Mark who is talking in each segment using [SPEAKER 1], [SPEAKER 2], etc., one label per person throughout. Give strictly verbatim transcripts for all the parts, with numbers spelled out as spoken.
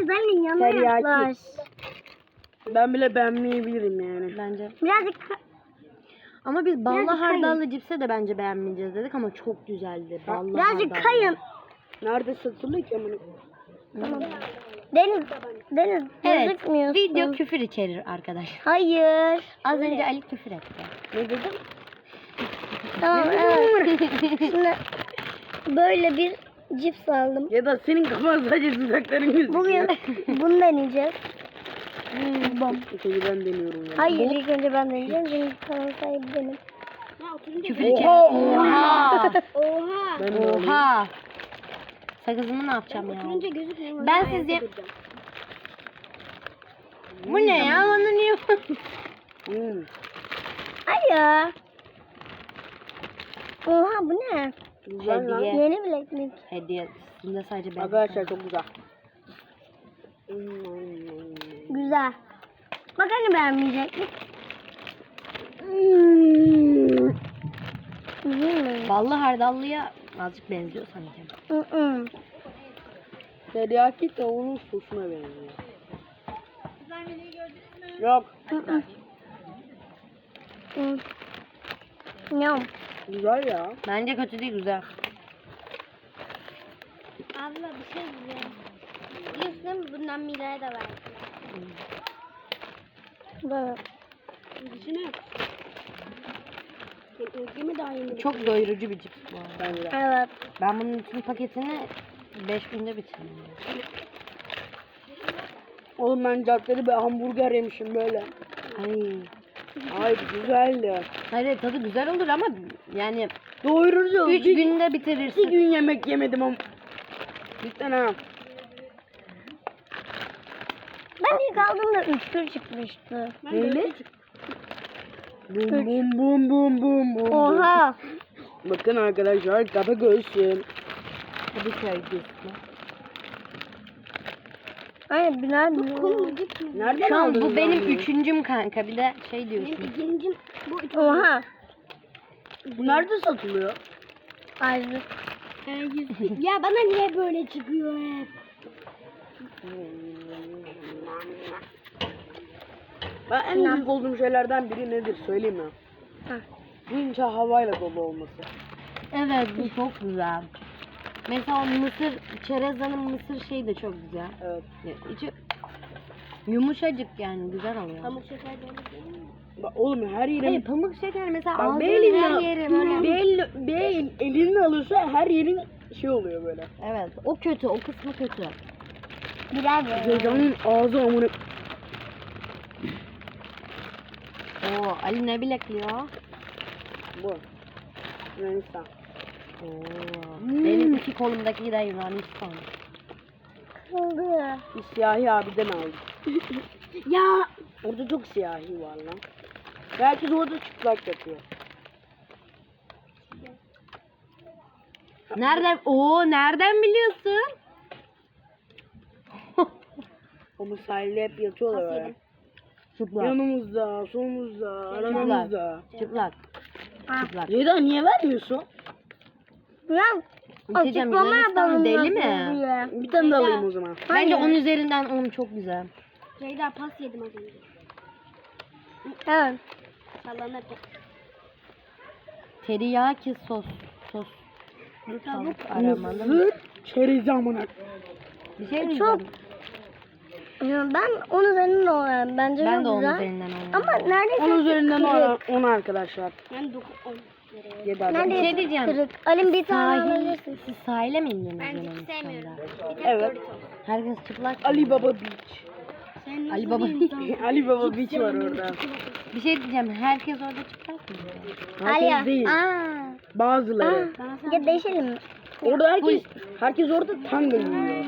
[SPEAKER 1] Deniz annenin yanına
[SPEAKER 2] Teriyaki.
[SPEAKER 1] yaklaş.
[SPEAKER 2] Ben bile beğenmeyebilirim yani.
[SPEAKER 3] Bence.
[SPEAKER 1] Birazcık
[SPEAKER 3] Ama biz ballı
[SPEAKER 1] Birazcık kayın.
[SPEAKER 3] hardallı cipse de bence beğenmeyeceğiz dedik ama çok güzeldi. Ballı
[SPEAKER 1] birazcık
[SPEAKER 3] hardallı.
[SPEAKER 1] kayın.
[SPEAKER 2] Nerede satılıyor ki amına?
[SPEAKER 1] Tamam. Deniz, Deniz
[SPEAKER 3] Evet.
[SPEAKER 1] gözükmüyorsun.
[SPEAKER 3] Video küfür içerir arkadaşlar.
[SPEAKER 1] Hayır.
[SPEAKER 3] Az önce Ali küfür etti.
[SPEAKER 2] Ne dedim?
[SPEAKER 1] Tamam evet. Şimdi böyle bir cips aldım.
[SPEAKER 2] Ya da senin kafan sadece dudakların gözüküyor.
[SPEAKER 1] Bugün bunu deneyeceğiz. Bom.
[SPEAKER 2] Peki ben deniyorum ya.
[SPEAKER 1] Hayır ilk önce ben deneyeceğim. Çünkü kanal sahibi benim.
[SPEAKER 3] Küfür içerir.
[SPEAKER 2] Oha!
[SPEAKER 3] Oha!
[SPEAKER 1] Oha.
[SPEAKER 2] Ben de alayım.
[SPEAKER 3] Oha! Sakızımı ne yapacağım ya?
[SPEAKER 1] gözükmüyor.
[SPEAKER 3] Ben sizce... Bu ne ya? Bana niye?
[SPEAKER 2] Hmm.
[SPEAKER 1] Hayır. Oha bu ne?
[SPEAKER 2] Güzel lan.
[SPEAKER 3] Hediye.
[SPEAKER 1] Yeni bileklik.
[SPEAKER 3] Hediye. Üstünde sadece ben.
[SPEAKER 2] Arkadaşlar çok güzel. Hmm.
[SPEAKER 1] Güzel. Bak hani beğenmeyecektik. Hmm. Değil mi?
[SPEAKER 3] Ballı hardallıya azıcık benziyor sanki.
[SPEAKER 1] Hı hı.
[SPEAKER 2] Teriyaki tavuğunun sosuna benziyor. Yok.
[SPEAKER 1] Hı hı. Hı. Yum.
[SPEAKER 2] Güzel ya.
[SPEAKER 3] Bence kötü değil, güzel.
[SPEAKER 1] Abla bir şey diyeceğim. Biliyorsun değil mi? Bundan Mira'ya da verdim. Böyle.
[SPEAKER 2] İçine. Özgemi daha yeni.
[SPEAKER 3] Çok doyurucu bir cips bu arada.
[SPEAKER 2] Bence de.
[SPEAKER 1] Evet.
[SPEAKER 3] Ben bunun bütün paketini beş günde bitirdim.
[SPEAKER 2] Oğlum ben caddede bir hamburger yemişim böyle.
[SPEAKER 3] Ay.
[SPEAKER 2] Ay güzeldi.
[SPEAKER 3] Hayır tadı güzel olur ama yani
[SPEAKER 2] Doyurucu.
[SPEAKER 3] üç
[SPEAKER 2] Bir-
[SPEAKER 3] günde
[SPEAKER 2] Bir
[SPEAKER 3] bitirirsin.
[SPEAKER 2] gün yemek yemedim ama. Cidden ha.
[SPEAKER 1] Ben ilk aldığımda üç bir çıkmıştı.
[SPEAKER 2] Neyle? Bum bum bum bum bum bum.
[SPEAKER 1] Oha.
[SPEAKER 2] Bakın arkadaşlar kafa göğsüm.
[SPEAKER 3] Hadi sevgilisi.
[SPEAKER 1] Hayır Bilal bu
[SPEAKER 2] Nereden
[SPEAKER 3] Şu an
[SPEAKER 2] aldın
[SPEAKER 3] bu benim
[SPEAKER 2] bunu?
[SPEAKER 3] üçüncüm kanka. Bir de şey diyorsun.
[SPEAKER 1] ikincim bu Oha.
[SPEAKER 2] Bu nerede satılıyor?
[SPEAKER 1] Ayrı. Ya bana niye böyle çıkıyor hep?
[SPEAKER 2] Ben en büyük olduğum şeylerden biri nedir söyleyeyim mi?
[SPEAKER 1] Ha.
[SPEAKER 2] Bunca havayla dolu olması.
[SPEAKER 3] Evet bu çok güzel. Mesela o mısır, çerezanın mısır şeyi de çok güzel.
[SPEAKER 2] Evet.
[SPEAKER 3] Ya, İçi yumuşacık yani güzel oluyor.
[SPEAKER 1] Pamuk şeker de öyle.
[SPEAKER 2] Bak oğlum her yerin...
[SPEAKER 3] Hayır pamuk şeker mesela
[SPEAKER 2] Bak
[SPEAKER 3] ağzının
[SPEAKER 2] bir elinle,
[SPEAKER 3] her yeri böyle.
[SPEAKER 2] bir, el, bir el, elinle alırsa her yerin şey oluyor böyle.
[SPEAKER 3] Evet o kötü, o kısmı kötü.
[SPEAKER 1] Bilal de.
[SPEAKER 2] Ceylan'ın ağzı amına...
[SPEAKER 3] Oo Ali ne bilekliyor?
[SPEAKER 2] Bu. Yunanistan.
[SPEAKER 3] Oo.
[SPEAKER 2] Hmm.
[SPEAKER 3] Benim iki kolumdaki de Yunanistan.
[SPEAKER 1] Kıldı.
[SPEAKER 2] Bir siyahi abiden aldım.
[SPEAKER 1] Ya.
[SPEAKER 2] Orada çok siyahi var lan. Herkes orada çıplak yatıyor.
[SPEAKER 3] Nereden? Oo nereden biliyorsun?
[SPEAKER 2] Ama sahilde hep yatıyorlar öyle.
[SPEAKER 3] Çıplak.
[SPEAKER 2] Yanımızda, solumuzda, aramızda.
[SPEAKER 3] Çıplak.
[SPEAKER 1] Ha.
[SPEAKER 3] Çıplak.
[SPEAKER 2] Ceyda niye vermiyorsun?
[SPEAKER 1] Bilal.
[SPEAKER 3] İçeceğim,
[SPEAKER 1] Açıklama
[SPEAKER 3] Yunanistan
[SPEAKER 1] yapalım
[SPEAKER 3] deli
[SPEAKER 1] nasıl
[SPEAKER 3] mi?
[SPEAKER 1] diye.
[SPEAKER 2] Bir tane de alayım o zaman.
[SPEAKER 3] Bence on üzerinden on çok güzel.
[SPEAKER 1] Ceyda pas yedim az önce. Evet. Sallanır.
[SPEAKER 3] Teriyaki sos. Sos. Tavuk aramalı.
[SPEAKER 2] Mısır çerezi amına.
[SPEAKER 3] Bir şey
[SPEAKER 1] Çok-
[SPEAKER 3] diyeceğim.
[SPEAKER 1] Ya ben on üzerinden olayım. Bence
[SPEAKER 3] Ben
[SPEAKER 1] çok
[SPEAKER 3] de on
[SPEAKER 1] güzel.
[SPEAKER 3] üzerinden on.
[SPEAKER 1] Ama neredeyse
[SPEAKER 2] on üzerinden
[SPEAKER 1] kırık.
[SPEAKER 2] on arkadaşlar.
[SPEAKER 1] Ben dokuz on.
[SPEAKER 2] Yedi adam.
[SPEAKER 1] Neredeyse
[SPEAKER 3] Bir şey diyeceğim.
[SPEAKER 1] kırık. Alim bir tane
[SPEAKER 3] Sahil,
[SPEAKER 1] alabilirsin.
[SPEAKER 3] siz sahile mi indiniz
[SPEAKER 1] Ben hiç
[SPEAKER 3] Yunanistan'da?
[SPEAKER 1] sevmiyorum.
[SPEAKER 2] Evet.
[SPEAKER 3] Herkes çıplak.
[SPEAKER 2] Ali Baba Beach.
[SPEAKER 1] Sen
[SPEAKER 3] Ali Baba.
[SPEAKER 2] Ali Baba Beach var orada.
[SPEAKER 3] Bir şey diyeceğim. Herkes orada çıplak mı?
[SPEAKER 2] Herkes değil.
[SPEAKER 1] Aa.
[SPEAKER 2] Bazıları.
[SPEAKER 1] Ya değişelim mi?
[SPEAKER 2] Orada herkes herkes orada tanga giyiyor.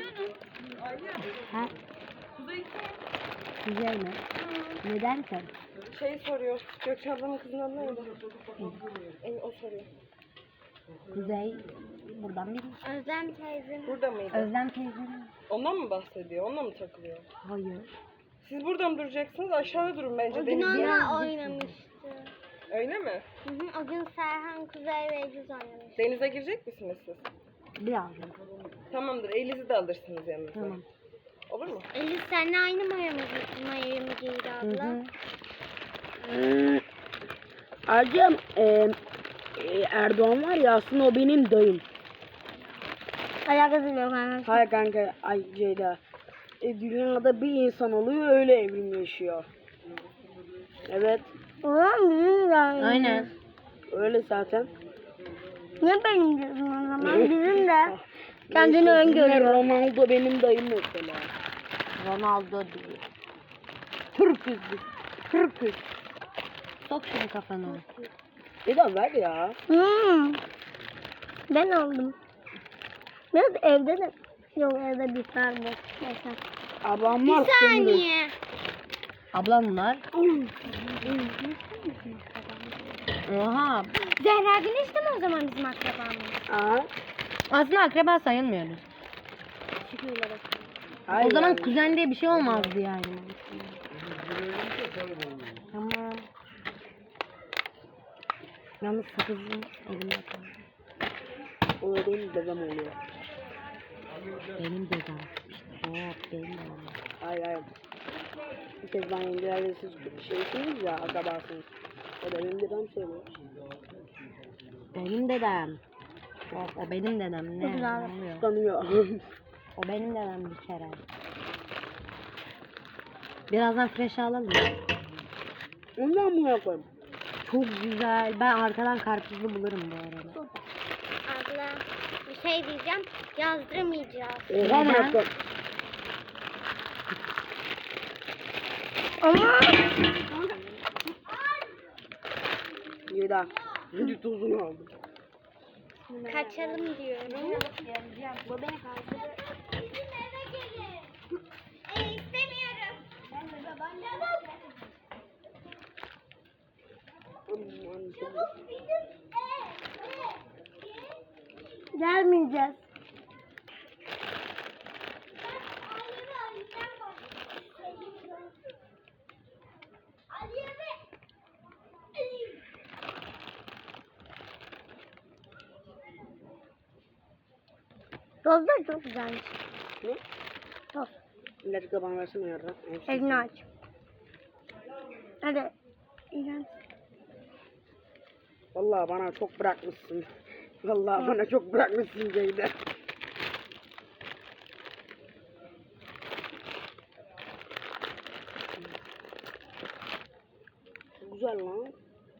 [SPEAKER 3] Ha? Güzel mi? Neden sen?
[SPEAKER 2] Şey soruyor. Gökçe ablanın kızının adı neydi? Evet, o soruyor.
[SPEAKER 3] Kuzey buradan bir
[SPEAKER 1] Özlem teyzem.
[SPEAKER 4] Burada mıydı?
[SPEAKER 3] Özlem teyze.
[SPEAKER 4] Ondan mı bahsediyor? Onunla mı takılıyor?
[SPEAKER 3] Hayır.
[SPEAKER 4] Siz burada mı duracaksınız? Aşağıda durun bence
[SPEAKER 1] O gün
[SPEAKER 4] denizde.
[SPEAKER 1] onunla oynamıştı.
[SPEAKER 4] Öyle mi?
[SPEAKER 1] Hı hı, o gün Serhan, Kuzey ve Ecüz oynamıştı.
[SPEAKER 4] Denize girecek misiniz siz?
[SPEAKER 3] Birazdan.
[SPEAKER 4] Tamamdır. Elinizi de alırsınız yanınıza.
[SPEAKER 3] Tamam.
[SPEAKER 1] seninle aynı maya mı, maya mı giydi
[SPEAKER 3] Hı
[SPEAKER 1] abla?
[SPEAKER 3] hı.
[SPEAKER 5] Hmm. Ayrıca e, e, Erdoğan var ya aslında o benim dayım.
[SPEAKER 1] Alakası yok anne.
[SPEAKER 5] Hayır kanka, ay Ceyda. E, dünyada bir insan oluyor öyle evrim yaşıyor. Evet,
[SPEAKER 1] Ulan bizim de aynı.
[SPEAKER 3] Aynen.
[SPEAKER 5] öyle zaten.
[SPEAKER 1] Ne benim diyorsun o zaman? Bizim de. Kendini
[SPEAKER 5] Neyse,
[SPEAKER 1] öngörüyor.
[SPEAKER 5] Ronaldo benim dayım mesela.
[SPEAKER 3] Ronaldo değil. Türküz biz. Türküz. Sok şunu kafana.
[SPEAKER 5] Ceyda ver ya.
[SPEAKER 1] Hmm. Ben aldım. Biraz evde de. Yok evde bir tane bu. Mesela.
[SPEAKER 5] Ablam var.
[SPEAKER 1] Bir saniye.
[SPEAKER 3] Ablamlar. Oha.
[SPEAKER 1] Zehra Güneş de mi o zaman bizim akrabamız?
[SPEAKER 5] Aa,
[SPEAKER 3] Aslında akraba sayılmıyoruz.
[SPEAKER 1] Çıkıyorlar bak.
[SPEAKER 5] hayır
[SPEAKER 3] O zaman
[SPEAKER 5] yani.
[SPEAKER 3] kuzen diye bir şey olmazdı yani. Tamam. Yalnız sakızın elimde kaldı.
[SPEAKER 5] O da benim dedem oluyor.
[SPEAKER 3] Benim dedem. İşte hop benim dedem.
[SPEAKER 5] Hayır hayır. Bir kez ben yengelerle siz şeysiniz ya, akrabasınız. O da benim dedem söylüyor.
[SPEAKER 3] Benim dedem. O, o benim dedem. Ne?
[SPEAKER 1] Çok güzel.
[SPEAKER 3] Ne oluyor?
[SPEAKER 5] Tanıyor.
[SPEAKER 3] O benim dedem bir kere. Birazdan fresh alalım.
[SPEAKER 5] Ondan mı yapayım?
[SPEAKER 3] Çok güzel. Ben arkadan karpuzlu bulurum bu arada.
[SPEAKER 1] Abla bir şey diyeceğim. Yazdıramayacağız.
[SPEAKER 5] Oha mı
[SPEAKER 3] Neden?
[SPEAKER 5] yapayım?
[SPEAKER 1] Ama.
[SPEAKER 5] Yeda. Hadi tozunu aldım.
[SPEAKER 1] Kaçalım diyorum. Bu beni kaldırdı. Bizim eve gelin. E, istemiyorum. Ben de babaannem. Gelmeyeceğiz. Tozlar çok güzelmiş.
[SPEAKER 5] Ne?
[SPEAKER 1] Toz.
[SPEAKER 5] Birazcık da bana versene yardım.
[SPEAKER 1] Elini aç. Hadi. İğrenç.
[SPEAKER 5] Vallahi bana çok bırakmışsın. Vallahi bana çok bırakmışsın Ceyda. Güzel lan.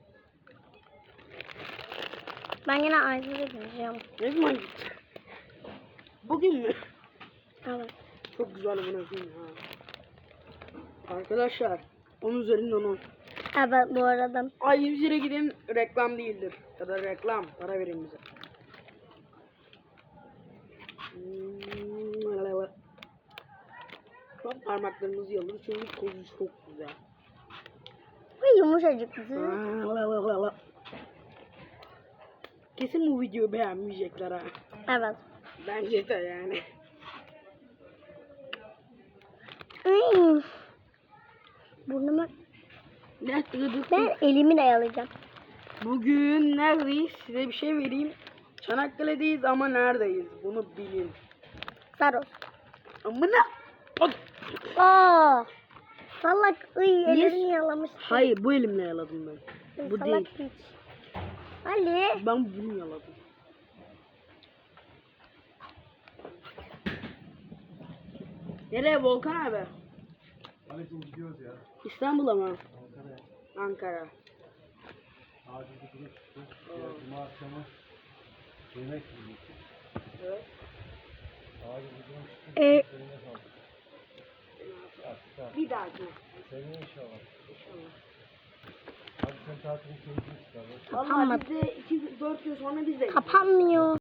[SPEAKER 1] Ben yine Ayşe'ye gideceğim.
[SPEAKER 5] Ne zaman gittin? Bugün mü?
[SPEAKER 1] Evet.
[SPEAKER 5] Çok güzel bunu koyayım ha. Arkadaşlar on üzerinden on.
[SPEAKER 1] Evet bu arada.
[SPEAKER 5] Ay yüz lira gidin, reklam değildir. Ya da reklam, para verin bize. Hmm, Çok parmaklarımızı yalır çünkü tozu çok güzel.
[SPEAKER 1] Ve yumuşacık.
[SPEAKER 5] Kesin bu videoyu beğenmeyecekler ha.
[SPEAKER 1] Evet.
[SPEAKER 5] Bence de yani.
[SPEAKER 1] Ay. Burnuma.
[SPEAKER 5] Ne dedik?
[SPEAKER 1] Ben elimi dayalayacağım.
[SPEAKER 5] Bugün neredeyiz? Size bir şey vereyim. Çanakkale'deyiz ama neredeyiz? Bunu bilin.
[SPEAKER 1] Saros.
[SPEAKER 5] Amına. Bak.
[SPEAKER 1] Aa. Salak. Iy ellerini yalamış.
[SPEAKER 5] Hayır, bu elimle yaladım ben. Bu
[SPEAKER 1] Salak
[SPEAKER 5] değil.
[SPEAKER 1] hiç. Ali.
[SPEAKER 5] Ben bunu yaladım. Nereye Volkan abi?
[SPEAKER 6] Aleyküm gidiyoruz ya.
[SPEAKER 5] İstanbul'a mı?
[SPEAKER 6] Ankara'ya.
[SPEAKER 5] Ankara.
[SPEAKER 6] Acil bir durum çıktı. Ya, Cuma akşamı yemek yiyecek.
[SPEAKER 5] Evet.
[SPEAKER 6] Acil bir durum çıktı.
[SPEAKER 1] Ee,
[SPEAKER 6] Seninle kaldık. Artık artık.
[SPEAKER 5] Bir dahaki.
[SPEAKER 6] Seninle inşallah. Hadi sen tatilin keyfini çıkar.
[SPEAKER 5] Vallahi biz de iki dört gün sonra biz de
[SPEAKER 1] kapanmıyor.